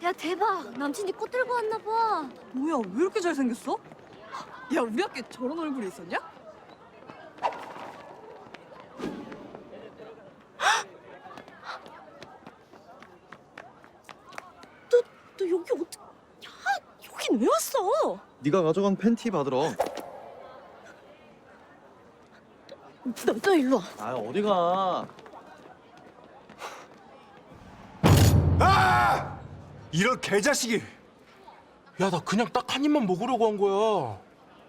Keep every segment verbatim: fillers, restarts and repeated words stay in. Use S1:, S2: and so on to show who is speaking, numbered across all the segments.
S1: 야 대박! 남친이 꽃 들고 왔나 봐.
S2: 뭐야, 왜 이렇게 잘생겼어? 야, 우리 학교에 저런 얼굴이 있었냐?
S1: 너, 너 여기 어떻게... 야, 여긴 왜 왔어?
S3: 네가 가져간 팬티 받으러.
S1: 너, 너 일로 와.
S3: 아 어디가?
S4: 아! 이런 개자식이!
S5: 야, 나 그냥 딱 한 입만 먹으려고 한 거야.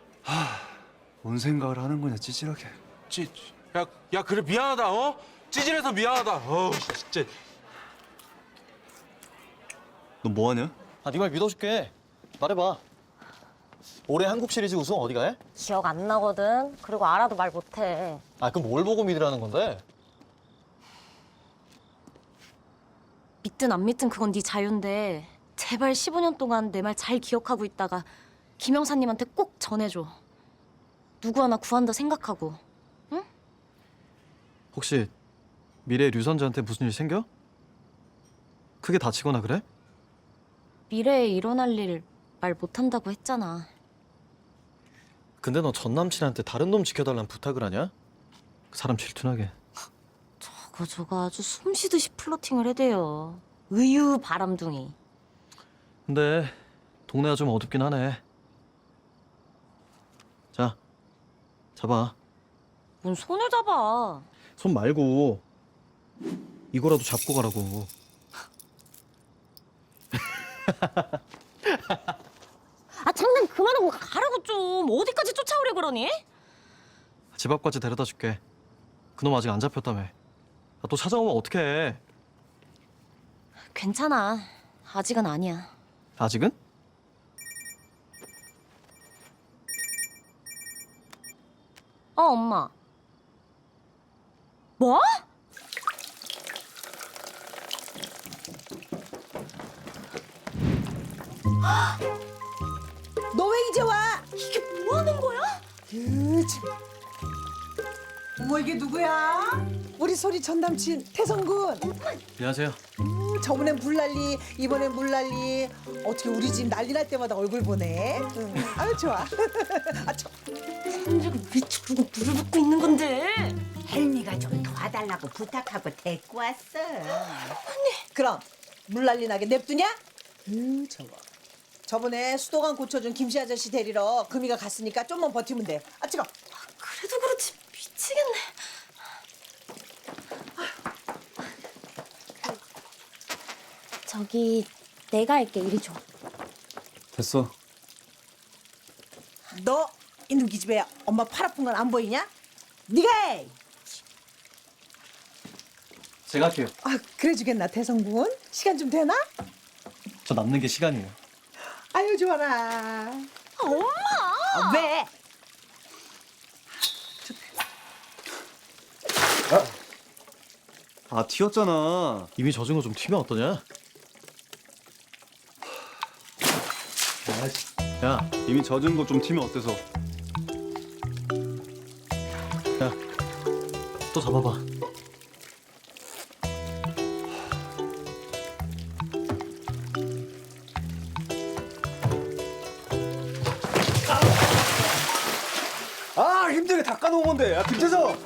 S4: 뭔 생각을 하는 거냐, 찌질하게.
S5: 찌, 야, 야, 그래 미안하다, 어? 찌질해서 미안하다. 어우, 진짜.
S4: 너 뭐하냐?
S3: 아 네 말 믿어줄게. 말해봐. 올해 한국 시리즈 우승 어디가 해?
S1: 기억 안 나거든. 그리고 알아도 말 못해.
S3: 아 그럼 뭘 보고 믿으라는 건데?
S1: 믿든 안 믿든 그건 네 자유인데 제발 십오 년 동안 내 말 잘 기억하고 있다가 김영사님한테 꼭 전해줘. 누구 하나 구한다 생각하고.
S3: 혹시 미래 류선재한테 무슨 일 생겨? 크게 다치거나 그래?
S1: 미래에 일어날 일 말 못한다고 했잖아.
S3: 근데 너 전 남친한테 다른 놈 지켜달란 부탁을 하냐? 그 사람 질투나게.
S1: 저거 저거 아주 숨쉬듯이 플러팅을 해대요. 의유 바람둥이.
S3: 근데 동네가 좀 어둡긴 하네. 자, 잡아.
S1: 뭔 손을 잡아.
S3: 손 말고 이거라도 잡고 가라고.
S1: 아 장난 그만하고 가라고 좀. 어디까지 쫓아오려 그러니?
S3: 집 앞까지 데려다 줄게. 그놈 아직 안 잡혔다며. 아, 또 찾아오면 어떡해.
S1: 괜찮아. 아직은 아니야.
S3: 아직은?
S1: 어 엄마. 뭐?
S6: 너 왜 이제 와?
S1: 이게 뭐 하는 거야?
S6: 유지. 어머 이게 누구야? 우리 소리 전 남친 태성군.
S3: 안녕하세요.
S6: 음, 저번엔 불난리, 이번엔 물난리. 어떻게 우리 집 난리 날 때마다 얼굴 보네. 응. 아유 좋아. 아, 저,
S1: 손주가 왜 저러고 물을 붓고 있는 건데?
S7: 헬미가 좀 도와달라고 부탁하고 데리고 왔어.
S6: 그럼 물난리 나게 냅두냐? 으 저거. 저번에 수도관 고쳐준 김씨 아저씨 데리러 금이가 갔으니까 좀만 버티면 돼. 아 뜨거.
S1: 그래도 그렇지 미치겠네. 저기 내가 할게. 이리 줘.
S4: 됐어.
S6: 너 이놈 기집애 엄마 팔 아픈 건 안 보이냐? 네가 해.
S3: 제가 할게요.
S6: 아 그래 주겠나 태성군? 시간 좀 되나?
S3: 저 남는 게 시간이에요.
S6: 아유 좋아라.
S1: 엄마!
S6: 아, 왜?
S4: 아, 튀었잖아.
S3: 이미 젖은 거 좀 튀면 어떠냐? 야,
S4: 이미 젖은 거 좀 튀면 어때서?
S3: 야, 또 잡아봐.
S4: 아, 힘들게 닦아놓은 건데. 야, 김태성!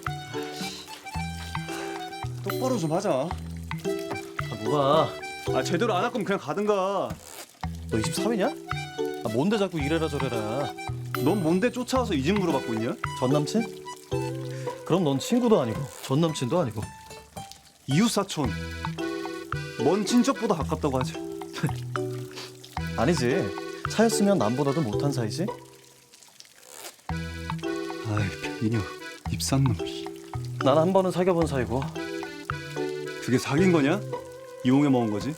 S4: 똑바로 좀 하자.
S3: 아, 뭐가?
S4: 아, 제대로 안 할 거면 그냥 가든가.
S3: 너 이십삼이냐? 아, 뭔데 자꾸 이래라 저래라.
S4: 넌 뭔데 쫓아와서 이 집 물어봤고 있냐?
S3: 전 남친? 그럼 넌 친구도 아니고 전 남친도 아니고.
S4: 이웃사촌. 먼 친척보다 가깝다고 하지.
S3: 아니지. 차였으면 남보다도 못한 사이지?
S4: 아이, 변인여. 입산 놈.
S3: 난 한 번은 사귀어본 사이고.
S4: 그게 사귄 거냐? 이용해 먹은 거지?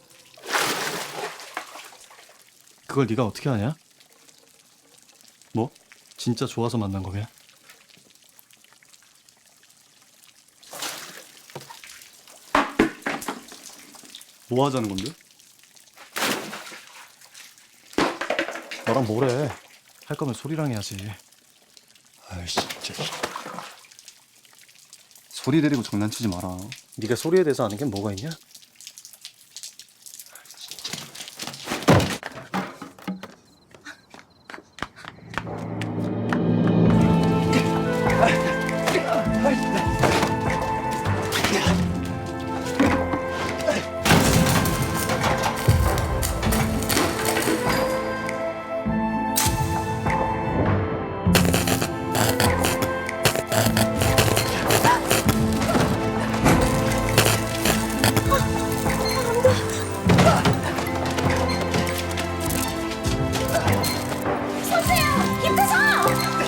S3: 그걸 네가 어떻게 아냐?
S4: 뭐?
S3: 진짜 좋아서 만난 거면?
S4: 뭐 하자는 건데?
S3: 너랑 뭐래? 할 거면 소리랑 해야지.
S4: 아이씨, 진짜. 소리 내리고 장난치지 마라.
S3: 네가 소리에 대해서 아는 게 뭐가 있냐?
S1: 선수야, 김태성!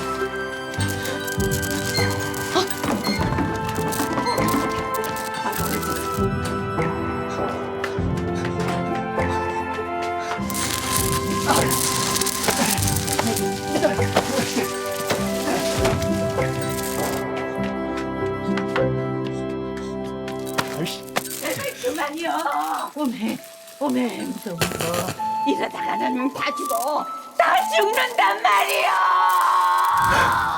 S7: 그만이요. 오메, 오메, 무서워, 무서워. 이러다가는 다 죽어. 다 죽는단 말이야.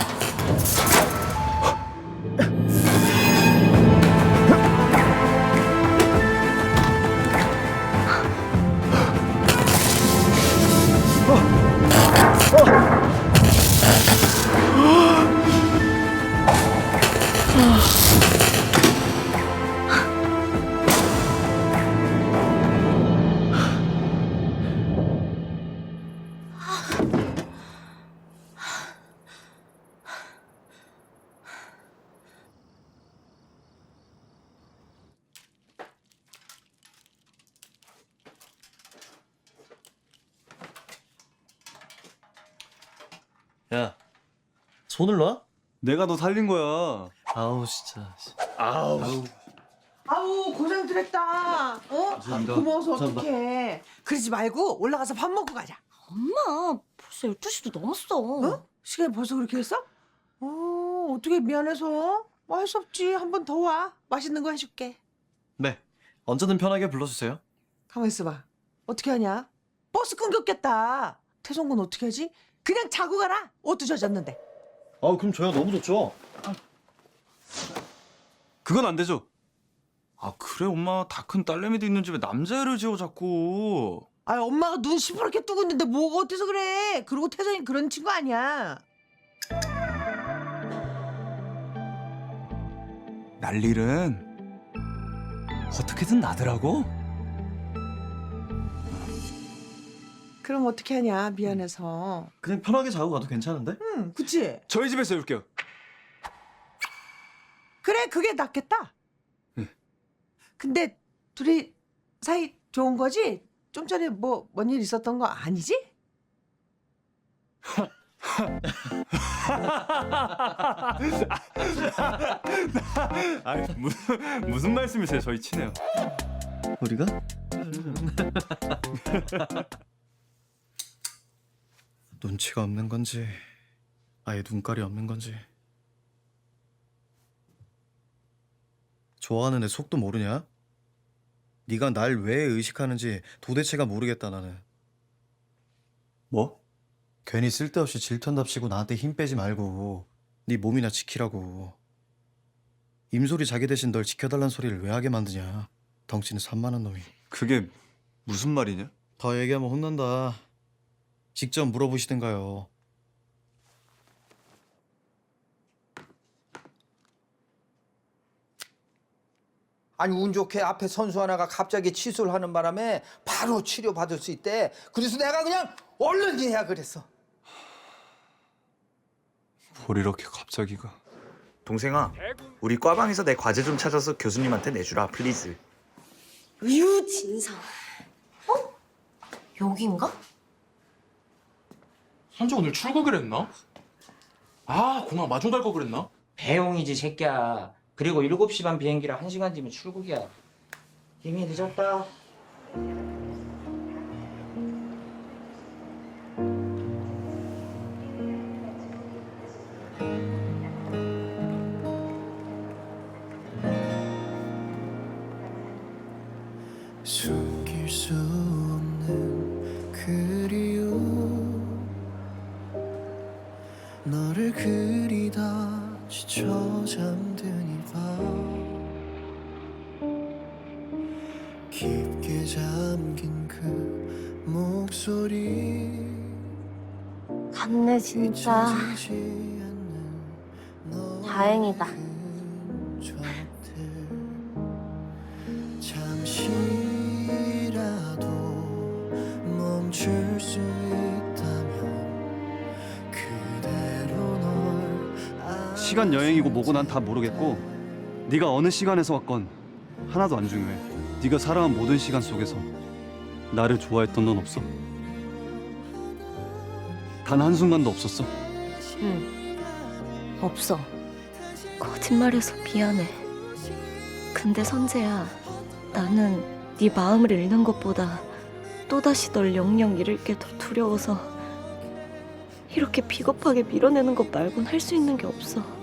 S3: 야, 손을 놔?
S4: 내가 너 살린 거야.
S3: 아우 진짜.
S4: 아우.
S6: 아우 고생들 했다. 어?
S3: 감사합니다.
S6: 고마워서
S3: 감사합니다.
S6: 어떡해. 그러지 말고 올라가서 밥 먹고 가자.
S1: 엄마, 벌써 열두 시도 넘었어.
S6: 어? 시간이 벌써 그렇게 했어? 어, 어떻게 미안해서. 뭐 할 수 없지. 한 번 더 와. 맛있는 거 해줄게.
S3: 네, 언제든 편하게 불러주세요.
S6: 가만 있어봐. 어떻게 하냐? 버스 끊겼겠다. 태성군 어떻게 하지? 그냥 자고 가라. 옷도 젖었는데.
S3: 아, 그럼 저야 너무 좋죠.
S4: 그건 안 되죠. 아 그래 엄마 다 큰 딸내미도 있는 집에 남자애를 지어 자꾸.
S6: 아, 엄마가 눈 시퍼렇게 뜨고 있는데 뭐가 어때서 그래? 그리고 태성이 그런 친구 아니야.
S4: 난일은 어떻게든 나더라고.
S6: 그럼 어떻게 하냐? 미안해서.
S3: 그냥 편하게 자고 가도 괜찮은데?
S6: 응, 그치?
S4: 저희 집에서 해줄게요.
S6: 그래, 그게 낫겠다.
S4: 응.
S6: 근데 둘이 사이 좋은 거지? 좀 전에 뭐 뭔 일 있었던 거 아니지?
S4: 아니 무슨 무슨 말씀이세요? 저희 친해요.
S3: 우리가? 눈치가 없는 건지 아예 눈깔이 없는 건지. 좋아하는 애 속도 모르냐? 네가 날 왜 의식하는지 도대체가 모르겠다 나는.
S4: 뭐?
S3: 괜히 쓸데없이 질턴답시고 나한테 힘 빼지 말고 네 몸이나 지키라고. 임소리 자기 대신 널 지켜달란 소리를 왜 하게 만드냐. 덩치는 산만한 놈이.
S4: 그게 무슨 말이냐?
S3: 더 얘기하면 혼난다. 직접 물어보시든가요.
S8: 아니 운 좋게 앞에 선수 하나가 갑자기 취소를 하는 바람에 바로 치료받을 수 있대. 그래서 내가 그냥 얼른 예약을 했어.
S4: 뭘 이렇게 갑자기가.
S9: 동생아, 우리 과방에서 내 과제 좀 찾아서 교수님한테 내주라, 플리즈.
S1: 으유, 진상. 어? 여긴가?
S5: 선재 오늘 출국을 했나? 아, 공항 마중 갈 거 그랬나?
S10: 배용이지 새끼야. 그리고 일곱 시 반 비행기라 한 시간 뒤면 출국이야. 이미 늦었다.
S11: 숨길 수 없는 그리움 너를 그리다 지쳐 잠든 이 밤 깊게 잠긴 그 목소리
S1: 갔네 진짜.
S11: 잊혀지지 않는 너의
S1: 다행이다.
S11: 흔적들 잠시라도 멈출 수 있다면 그대로 널
S4: 시간 여행이고 뭐고 난 다 모르겠고 네가 어느 시간에서 왔건
S12: 하나도 안 중요해. 네가 살아온 모든 시간 속에서 나를 좋아했던 넌 없어? 단 한순간도 없었어?
S1: 응. 없어. 거짓말해서 미안해. 근데 선재야, 나는 네 마음을 잃는 것보다 또다시 널 영영 잃을 게 더 두려워서 이렇게 비겁하게 밀어내는 것 말곤 할 수 있는 게 없어.